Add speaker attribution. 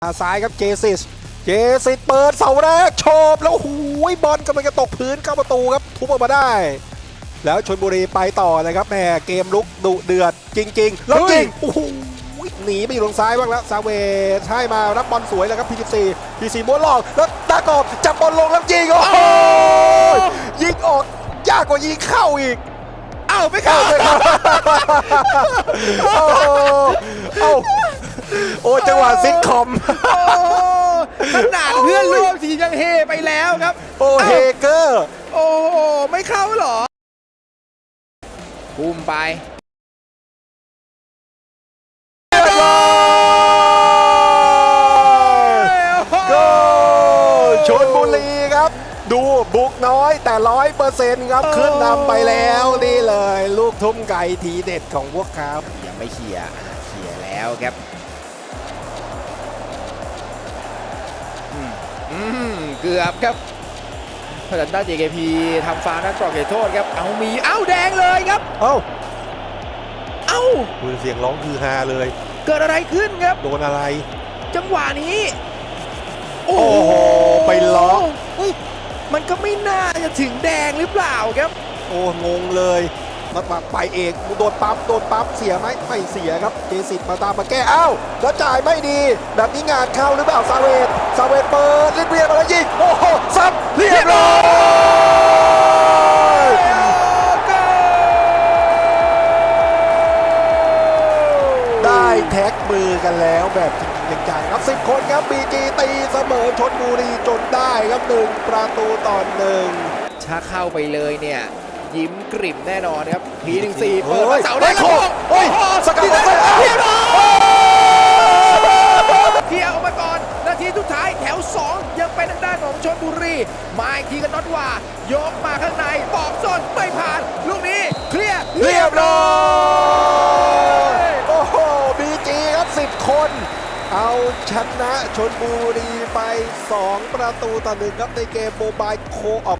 Speaker 1: ซ้ายครับเจสิสเปิดเสาแรกโฉบแล้วหูยบอลกำลังจะตกพื้นเข้าประตูครับทุบออกมาได้แล้วชลบุรีไปต่อเลยครับแหมเกมลุกดุเดือดจริงๆแล้วจริงโอ้โหหนีไปอยู่ตรงซ้ายบ้างแล้วซาเวใช่มารับบอลสวยเลยครับพีซีม้วนหลอกแล้วตากอบจับบอลลงแล้วยิงโอ้โหยิงออกยากกว่ายิงเข้าอีกเอ้าไม่เข้าโอ้จังหวะซิทคอม
Speaker 2: ขนาดเพื่อนร่วมทีมยังเฮไปแล้วครับ
Speaker 1: โอ้เฮเกอร์
Speaker 2: โอ้โหไม่เข้าหรอปุ่มไป
Speaker 1: ชลบุรีครับดูบุกน้อยแต่100%ครับขึ้นนำไปแล้วนี่เลยลูกทุ่มไก่ทีเด็ดของพวกเขา
Speaker 2: ยังไม่เขี่ยแล้วครับเกือบครับพลันต้า JKP ทำฟาวล์นักกรอกเขตโทษครับเอาแดงเลยครับเอ้า
Speaker 1: เสียงร้องคือฮาเลย
Speaker 2: เกิดอะไรขึ้นครับ
Speaker 1: โดนอะไร
Speaker 2: จังหวะนี้
Speaker 1: โอ้โหไปล็อก
Speaker 2: มันก็ไม่น่าจะถึงแดงหรือเปล่าครับ
Speaker 1: โอ้งงเลยมาไปเองโดนปั๊มเสียไหมไม่เสียครับเจสิตมาตามมาแก้แล้วจ่ายไม่ดีแบบนี้งานเข้าหรือเปล่าซาเวตเปิดเรียบมาแล้วยิงโอ้โหซับเรียบร้อยได้แท็กมือกันแล้วแบบจริงจังครับ10 คนครับบีจีตีเสมอชลบุรีจนได้ครับ1-1
Speaker 2: ถ้าเข้าไปเลยเนี่ยยิ้มกริ่มแน่นอนครับP14เปิดเสาแรก
Speaker 1: โอ้ยสกัดเรียบร้อย
Speaker 2: เคลียร์ออกมาก่อนนาทีสุดท้ายแถว2ยังเป็นทางด้านของชลบุรีมาอีกทีกันน็อตว่ายกมาข้างในปอกส้นไม่ผ่านลูกนี้เคลียร์
Speaker 1: เรียบร้อยโอ้โหบีจีครับ10 คนเอาชนะชลบุรีไป2-1ครับในเกมโมบายโคออป